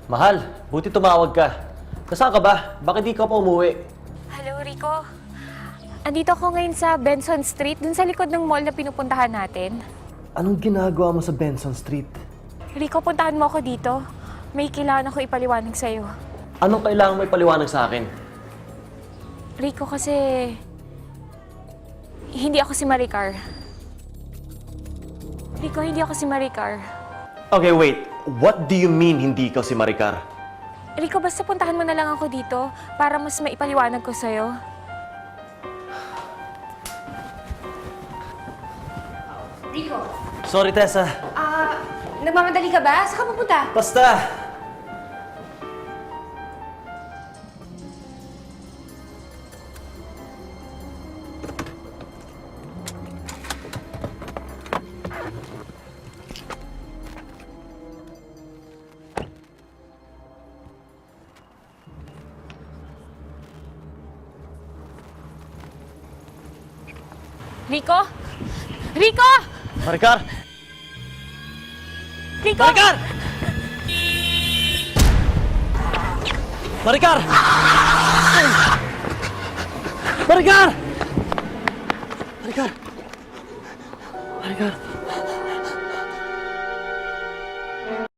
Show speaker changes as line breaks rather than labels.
Mahal, buti tumawag ka. Nasaan ka ba? Bakit di ka pa umuwi?
Hello, Rico. Andito ako ngayon sa Benson Street, dun sa likod ng mall na pinupuntahan natin.
Anong ginagawa mo sa Benson Street?
Rico, puntahan mo ako dito. May kailangan ako ipaliwanag sa'yo.
Anong kailangan mo ipaliwanag sa akin?
Rico, kasi hindi ako si Maricar. Rico, hindi ako si Maricar.
Okay, wait. What do you mean hindi ikaw si Maricar?
Rico, basta puntahan mo na lang ako dito para mas maipaliwanag ko sa'yo.
Rico,
Sorry, Tessa.
nagmamadali ka ba? Saan ka pupunta?
Basta!
Rico? Rico!
Maricar!
Rico!
Maricar! Maricar! Maricar! Maricar! Maricar!